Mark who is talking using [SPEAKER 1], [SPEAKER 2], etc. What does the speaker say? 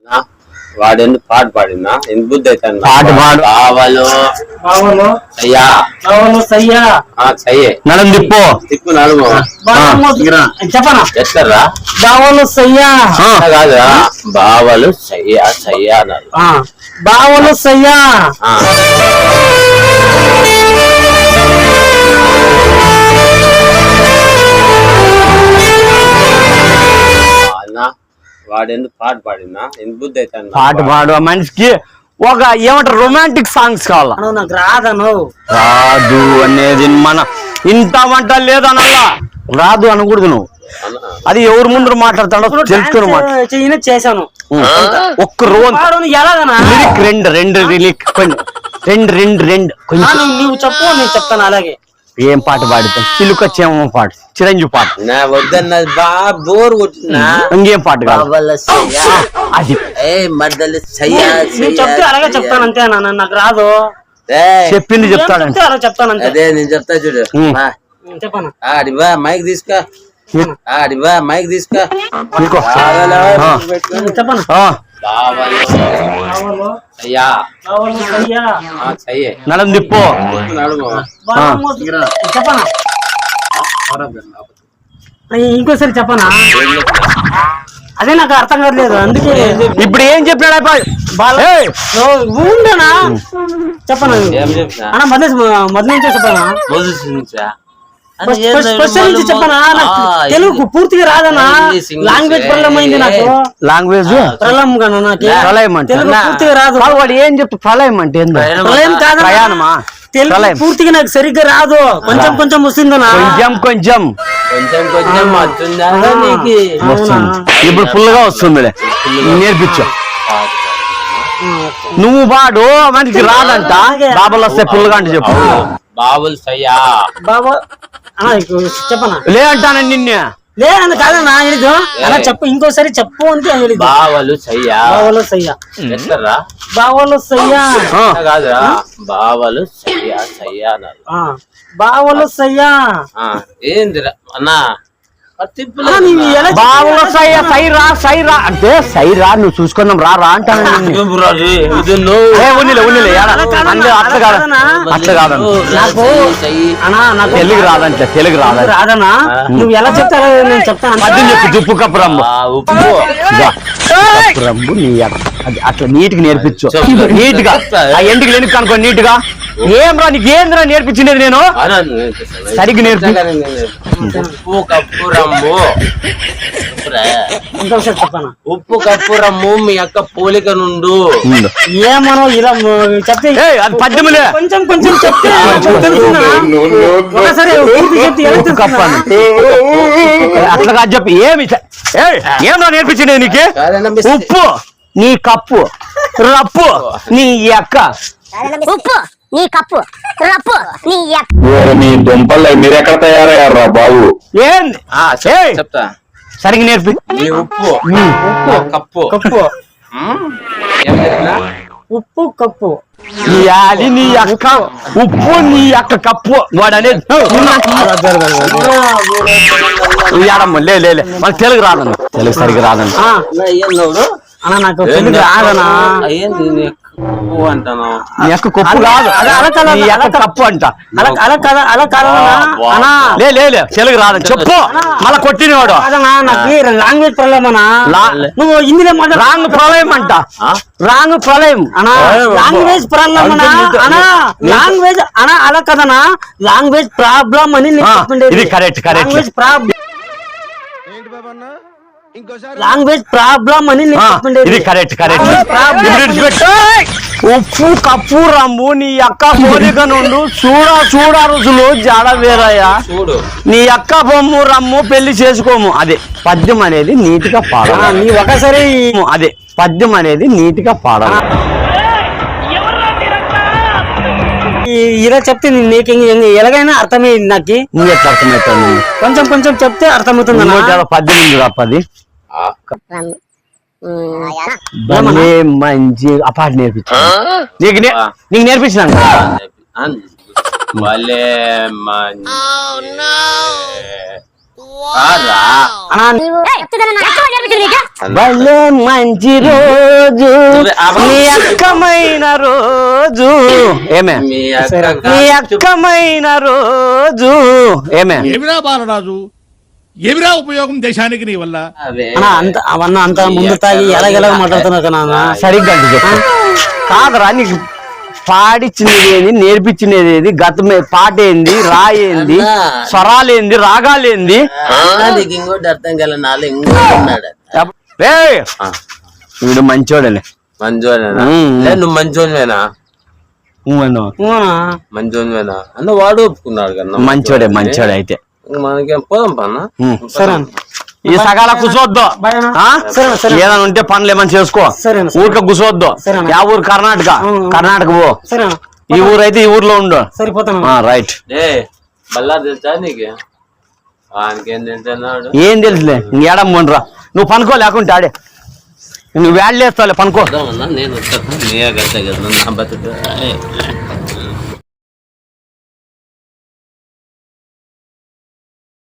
[SPEAKER 1] వాడెందుకు పాట పాడినా ఎందుకు బుద్ధి అవుతాను
[SPEAKER 2] పాట పాడు నడుము తిప్పు
[SPEAKER 1] తిప్పు నడుము
[SPEAKER 3] చెప్పనా
[SPEAKER 1] ఎక్కడ్రా
[SPEAKER 3] బావలు సయ్యా
[SPEAKER 1] కాదురా బావలు సయ్యా సయ్యా అన్నారు
[SPEAKER 3] బావలు సయ్యా
[SPEAKER 1] వాడెందుకు పాట పాడినా ఎందుకు బుద్ధి అవుతాను
[SPEAKER 2] పాట పాడు మనిషికి ఒక ఏమంటారు రొమాంటిక్ సాంగ్స్ కావాలా
[SPEAKER 3] నాకు రాదను
[SPEAKER 2] రాదు అనేది మన ఇంత వంట లేదనల్లా రాదు అనకూడదు నువ్వు అది ఎవరి ముందు మాట్లాడతాడో తెలుసుకుని
[SPEAKER 3] చేశాను
[SPEAKER 2] ఒక్క రోజు
[SPEAKER 3] ఎలాగనా
[SPEAKER 2] లిరిక్ రెండు లిరిక్ రెండు కొంచెం
[SPEAKER 3] నువ్వు చెప్పు నేను చెప్తాను అలాగే
[SPEAKER 2] ఏం పాట పాడుతాం చిలుక చేమ పాట చిరంజీవి పాట
[SPEAKER 1] నా వద్దన్నది బాగా బోర్ కొట్టినా
[SPEAKER 2] ఇంకేం పాట కాదు అది
[SPEAKER 1] మద్దలు
[SPEAKER 3] చెప్తే అలాగే చెప్తాను అంతే నాకు రాదు
[SPEAKER 2] చెప్పింది చెప్తాడంటే
[SPEAKER 3] అలా చెప్తాను అంతే
[SPEAKER 1] అదే నేను చెప్తా చూడు
[SPEAKER 3] చెప్పాను
[SPEAKER 1] ఆడివా మైక్ తీసుకో ఆడివా మైక్ తీసుకో
[SPEAKER 3] చెప్పను
[SPEAKER 2] నడుము తిప్పు
[SPEAKER 3] చెప్పనా ఇంకోసారి చెప్పనా అదే నాకు అర్థం కావట్లేదు అందుకే
[SPEAKER 2] ఇప్పుడు ఏం చెప్పినాడు
[SPEAKER 3] ఉండనా చెప్పనా అన్న మొదటి నుంచే చెప్పనా చెప్పనా తెలుగు పూర్తిగా రాదన్నా లాంగ్వేజ్ ప్రాబ్లం అయింది నాకు
[SPEAKER 2] లాంగ్వేజ్
[SPEAKER 3] ప్రళయం కన్నా నాకు
[SPEAKER 2] ప్రళయం అంటే
[SPEAKER 3] తెలుగు పూర్తిగా రాదు
[SPEAKER 2] వాడు ఏం చెప్తా ప్రళయం అంటే
[SPEAKER 3] ప్రళయం కాదు
[SPEAKER 2] ప్రయాణమా
[SPEAKER 3] తెలుగు పూర్తిగా నాకు సరిగ్గా రాదు కొంచెం కొంచెం వస్తుందనా
[SPEAKER 2] కొంచెం ఇప్పుడు ఫుల్ గా వస్తుందిలే నేర్పించు నువ్వు వాడు మనకి రాదంట బాబులు వస్తే ఫుల్ గా అంటే చెప్పు
[SPEAKER 1] బాబులు సయ్యా
[SPEAKER 3] బాబా చెప్పనా
[SPEAKER 2] లే అంటానండి నిన్నే
[SPEAKER 3] లేదని కాదన్నా అలా చెప్పు ఇంకోసారి చెప్పు అంటే
[SPEAKER 1] బావలు సయ్యా
[SPEAKER 3] బావలు సయ్యా
[SPEAKER 1] ఎక్కడ్రా
[SPEAKER 3] బావలు సయ్యా
[SPEAKER 1] కాదురా బావలు సయ్యా సయ్యా అన్నారు
[SPEAKER 3] బావలు సయ్యా
[SPEAKER 1] ఏందిరా అన్నా
[SPEAKER 2] బావులో సైరా అంటే సైరా నువ్వు చూసుకున్నాం రా అంటాను అట్లా కాదన్నా తెలుగు రాదంటే తెలుగు
[SPEAKER 3] రాదనా నువ్వు ఎలా చెప్తారో నేను చెప్తాను
[SPEAKER 2] పద్యం చెప్పు ఉప్పు కప్పురమ్ము కప్పురమ్ము నీ అది అట్లా నీట్ గా నేర్పించు నీట్ గా ఎందుకు లేని కనుకో నీట్ గా ఏం రా నీకు ఏంద్రా నేర్పించింది నేను సరిగ్గా నేర్పి
[SPEAKER 1] ఉప్పు కప్పు రమ్ము ఉప్పు కప్పు రమ్ము మీ అక్క పోలిక నుండు
[SPEAKER 3] ఏమనో ఇలా చెప్తే
[SPEAKER 2] అది పద్యములే
[SPEAKER 3] కొంచెం కొంచెం చెప్తే
[SPEAKER 2] కప్పు అట్లా కాదు చెప్పి ఏమో నేర్పించింది నీకు ఉప్పు నీ కప్పు రప్పు నీ అక్క
[SPEAKER 4] ఉప్పు నీ కప్పు రప్పు నీ
[SPEAKER 5] మీ దుంపలు మీరు ఎక్కడ తయారయ్యారా బాబు
[SPEAKER 2] ఏంది
[SPEAKER 1] చెప్తా
[SPEAKER 2] సరిగ్గా నేర్పి
[SPEAKER 1] నీ ఉప్పు కప్పు
[SPEAKER 3] కప్పు ఉప్పు కప్పు
[SPEAKER 2] నీ అక్క ఉప్పు నీ అక్క కప్పు వాడు అనేది లే మనకు తెలుగు రాదన్న తెలుగు సరిగ్గా రాదన్న
[SPEAKER 3] అన్నా నాకు తెలుగు రాదనా
[SPEAKER 1] అంటాను
[SPEAKER 2] నీ యొక్క కప్పు కాదు నీ యొక్క కప్పు అంట
[SPEAKER 3] అలా కాదనా
[SPEAKER 2] లే తెలుగు రాదని చెప్పు మళ్ళా కొట్టినవాడు
[SPEAKER 3] నాకు లాంగ్వేజ్ ప్రాబ్లం అన్నా నువ్వు హిందీలో
[SPEAKER 2] రాంగ్ ప్రళయం అంట రాంగ్ ప్రళయం
[SPEAKER 3] అనా లాంగ్వేజ్ ప్రాబ్లం అనా లాంగ్వేజ్ అనా అలా కదనా లాంగ్వేజ్ ప్రాబ్లం అని
[SPEAKER 2] ఇది correct
[SPEAKER 3] language problem language problem అని
[SPEAKER 2] ఇది కరెక్ట్ ఉప్పు కప్పు రమ్ము నీ అక్క పోలిక నుండు చూడా రుజులు జాడ వేరయ్యా నీ అక్క బొమ్ము రమ్ము పెళ్లి చేసుకోము అదే పద్యం అనేది నీట్గా పాడాలి
[SPEAKER 3] నీ ఒకసారి
[SPEAKER 2] అదే పద్యం అనేది నీట్గా పాడాలి
[SPEAKER 3] ఇలా చెప్తే నీకు ఎలాగైనా అర్థమైంది నాకు
[SPEAKER 2] నువ్వు ఎట్లా అర్థమవుతాను
[SPEAKER 3] కొంచెం కొంచెం చెప్తే అర్థమవుతుంది
[SPEAKER 2] పద్యం ఉంది పది మంచి ఆ పాట నేర్పించు నీకు నేర్పించినాను
[SPEAKER 1] కాదురా.
[SPEAKER 3] అన్నా
[SPEAKER 2] భలే మంచి రోజు నీ అక్కమైన రోజు ఏమే
[SPEAKER 1] మీ అక్క
[SPEAKER 2] నీ అక్కమైన రోజు ఏమే
[SPEAKER 6] ఏమిరా బాలరాజు ఏమిరా ఉపయోగం దేశానికి నీ వల్ల
[SPEAKER 1] అవే.
[SPEAKER 3] అన్నా అంత అవన్నీ అంత ముందు తాగి ఎలాగెలా మాట్లాడుతున్నారు కదా అన్న
[SPEAKER 2] సరిగ్గా అంటే చెప్పు కాదురా నీకు పాడిచ్చినది ఏంది నేర్పించినది ఏది గతమే పాట ఏంది రాయేంది స్వరాలేంది రాగాలేంది
[SPEAKER 1] నీకు ఇంకోటి అర్థం కాలే నాలో ఇంకోటి ఉన్నాడు.
[SPEAKER 2] ఏయ్! వీడు మంచోడలే
[SPEAKER 1] మంచోనేనా
[SPEAKER 2] ఉమ్.
[SPEAKER 1] లే నువ్వు మంచోనివేనా
[SPEAKER 3] అవునా?
[SPEAKER 1] మంచోనివేనా అన్న వాడు ఒప్పుకున్నాడు కదా
[SPEAKER 2] మంచోడే మంచోడే అయితే
[SPEAKER 1] మనకేం పోదాం పన్న
[SPEAKER 2] ఉమ్.
[SPEAKER 3] సరే అన్న.
[SPEAKER 2] ఈ సగాల కూర్చోవద్దు
[SPEAKER 3] బాయ్ అన్న.
[SPEAKER 2] ఆ?
[SPEAKER 3] సరే, సరే.
[SPEAKER 2] ఏదైనా ఉంటే పనులు ఏమైనా చేసుకో
[SPEAKER 3] సరే అన్న, సరే.
[SPEAKER 2] ఊరికే కూర్చోవద్దు
[SPEAKER 3] సరే అన్న.
[SPEAKER 2] యా ఊరు కర్ణాటక కర్ణాటక పో
[SPEAKER 3] సరే అన్న.
[SPEAKER 2] ఈ ఊరు అయితే ఈ ఊర్లో ఉండు
[SPEAKER 3] సరిపోతాను
[SPEAKER 2] రైట్
[SPEAKER 1] ఏ బల్లా తెలుసా నీకు వానికేం తెలుసన్నాడు
[SPEAKER 2] ఏం తెలుసులే ఇంకేడం పోండ్రా నువ్వు పనుకో లేకుంటే ఆడే నువ్వు వేళ్ళేస్తావులే పనుకో
[SPEAKER 1] నేను వస్తాను నీ గట్ట కదా నా బతుకు